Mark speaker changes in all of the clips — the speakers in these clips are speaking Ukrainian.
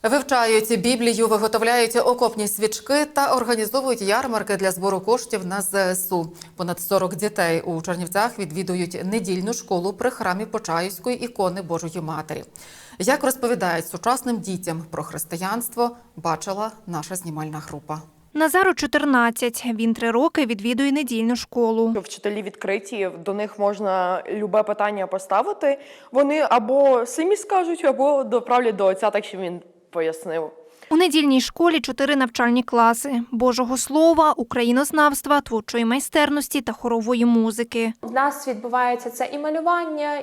Speaker 1: Вивчають Біблію, виготовляють окопні свічки та організовують ярмарки для збору коштів на ЗСУ. Понад 40 дітей у Чернівцях відвідують недільну школу при храмі Почаївської ікони Божої Матері. Як розповідають сучасним дітям про християнство, бачила наша знімальна група.
Speaker 2: Назару 14. Він 3 роки відвідує недільну школу.
Speaker 3: Вчителі відкриті, до них можна любе питання поставити. Вони або самі скажуть, або доправлять до отця, так що він пояснив.
Speaker 2: У недільній школі 4 навчальні класи – Божого Слова, українознавства, творчої майстерності та хорової музики.
Speaker 4: У нас відбувається це і малювання,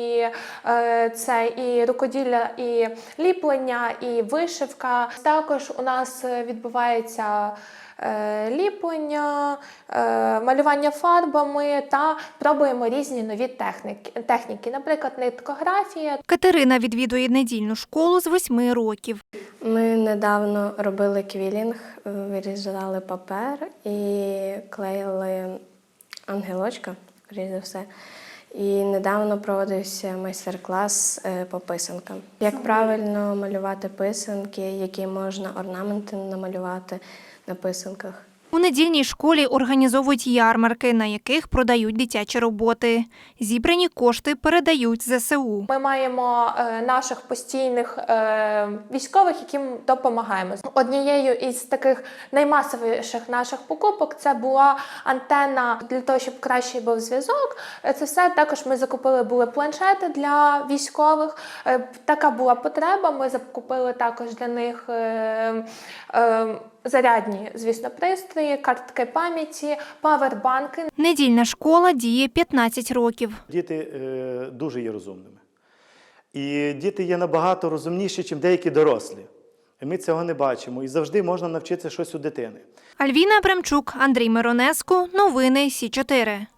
Speaker 4: це і рукоділля, і ліплення, і вишивка. Також у нас відбувається ліплення, малювання фарбами та пробуємо різні нові техніки, наприклад, ниткографія.
Speaker 2: Катерина відвідує недільну школу з 8 років.
Speaker 5: Ми недавно робили квілінг, вирізали папер і клеїли ангелочка, скоріш за все. І недавно проводився майстер-клас по писанкам. Як правильно малювати писанки, які можна орнаменти намалювати на писанках.
Speaker 2: У недільній школі організовують ярмарки, на яких продають дитячі роботи. Зібрані кошти передають ЗСУ.
Speaker 4: Ми маємо наших постійних військових, яким допомагаємо. Однією із таких наймасовіших наших покупок це була антенна для того, щоб кращий був зв'язок. Це все також ми закупили були планшети для військових. Така була потреба. Ми закупили також для них зарядні, звісно, пристрої, картки пам'яті, павербанки.
Speaker 2: Недільна школа діє 15 років.
Speaker 6: Діти дуже є розумними. І діти є набагато розумніші, ніж деякі дорослі. І ми цього не бачимо. І завжди можна навчитися щось у дитини.
Speaker 2: Альвіна Абрамчук, Андрій Миронеско. Новини Сі 4.